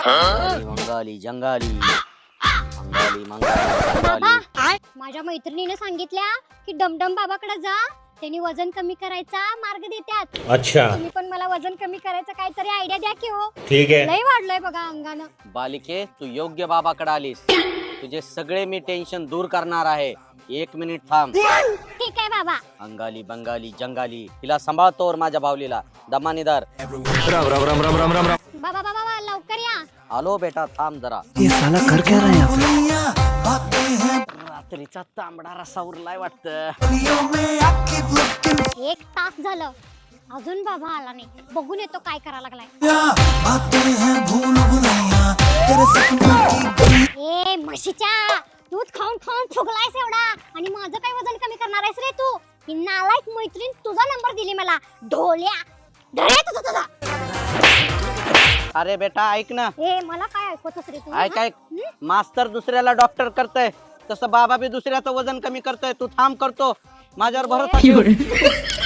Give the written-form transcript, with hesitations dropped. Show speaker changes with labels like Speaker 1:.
Speaker 1: मंगाली जंगाली मंगाली मंगाली
Speaker 2: बाबा माझ्या मैत्रिणीने सांगितल्या की डमडम बाबाकडे जा, त्यांनी वजन कमी करायचा मार्ग देतात.
Speaker 3: अच्छा
Speaker 2: तुम्ही पण मला वजन कमी करायचं काहीतरी आयडिया द्या की हो.
Speaker 3: ठीक है
Speaker 2: लय वाढलंय बघा अंगानं.
Speaker 1: बालिके तू योग्य बाबाकडे आलीस. तुझे सगळे मी टेन्शन दूर करणार आहे. 1 मिनिट थांब.
Speaker 2: ठीक आहे बाबा.
Speaker 1: अंगाली बंगाली जंगाली तिला सांभाळतोवर माझ्या बावलीला दमानीदार.
Speaker 2: बाबा बाबा बाबा, लवकर या.
Speaker 1: आलो बेटा थांब जरा.
Speaker 4: ये साला कर क्या रहा है यहाँ पे?
Speaker 1: रात्रीचा तांबडा रसा उरलाय वाटतं.
Speaker 2: 1 तास झालं अजून बाबा आला नाही. बघून येतो काय करायला लागलाय. ए म्हशीच्या, दूध खाऊन खाऊन फुगलायस एवढा आणि माझं काय वजन कमी करणार आहेस रे तू? ही नालायक मैत्रीण तुझा नंबर दिली मला. ढोल्या धरे तुझा.
Speaker 1: अरे बेटा ऐक ना.
Speaker 2: ए मला काय ऐकतोस रे तू?
Speaker 1: ऐक ऐक. मास्तर दुसऱ्याला डॉक्टर करतय तसं बाबा बी दुसऱ्याचं वजन कमी करतोय. तू थांब करतो माझ्यावर भरोसा ठेव.